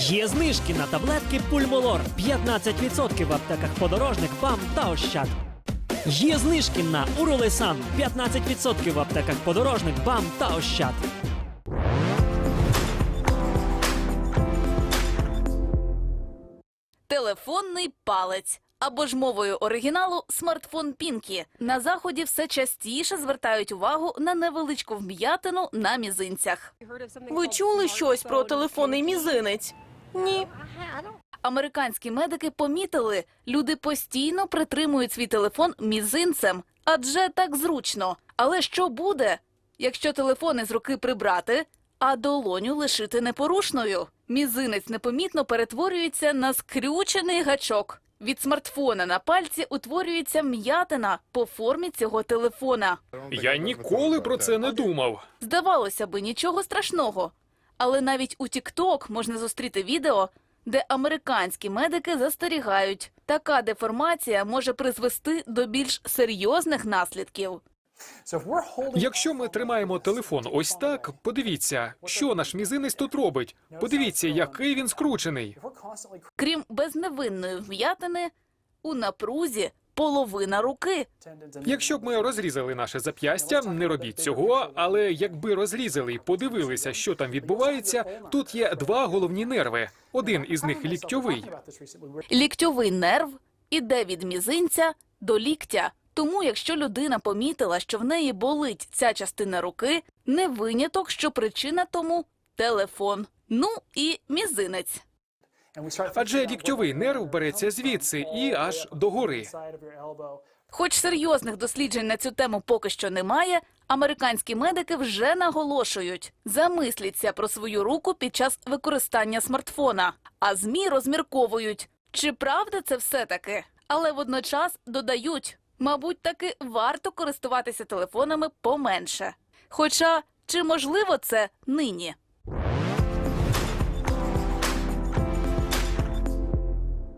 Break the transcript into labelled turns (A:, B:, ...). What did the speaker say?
A: Є знижки на таблетки Пульмолор 15% в аптеках Подорожник, БАМ та Ощад. Є знижки на Уролесан 15% в аптеках Подорожник, БАМ та Ощад.
B: Телефонний палець. Або ж мовою оригіналу смартфон Пінкі. На Заході все частіше звертають увагу на невеличку вм'ятину на мізинцях.
C: Ви чули щось про телефонний мізинець? Ні.
B: Американські медики помітили, люди постійно притримують свій телефон мізинцем, адже так зручно. Але що буде, якщо телефон із руки прибрати, а долоню лишити непорушною? Мізинець непомітно перетворюється на скрючений гачок. Від смартфона на пальці утворюється м'ятина по формі цього телефона.
D: Я ніколи про це не думав.
B: Здавалося би, нічого страшного. Але навіть у TikTok можна зустріти відео, де американські медики застерігають. Така деформація може призвести до більш серйозних наслідків.
D: Якщо ми тримаємо телефон ось так, подивіться, що наш мізинець тут робить. Подивіться, який він скручений.
B: Крім безневинної вм'ятини, у напрузі половина руки.
D: Якщо б ми розрізали наше зап'ястя, не робіть цього, але якби розрізали і подивилися, що там відбувається, тут є два головні нерви. Один із них ліктьовий.
B: Ліктьовий нерв іде від мізинця до ліктя. Тому, якщо людина помітила, що в неї болить ця частина руки, не виняток, що причина тому – телефон. Ну і мізинець.
D: Адже ліктьовий нерв береться звідси і аж догори.
B: Хоч серйозних досліджень на цю тему поки що немає, американські медики вже наголошують – замисліться про свою руку під час використання смартфона. А ЗМІ розмірковують, чи правда це все-таки? Але водночас додають – мабуть, таки варто користуватися телефонами поменше. Хоча, чи можливо це нині?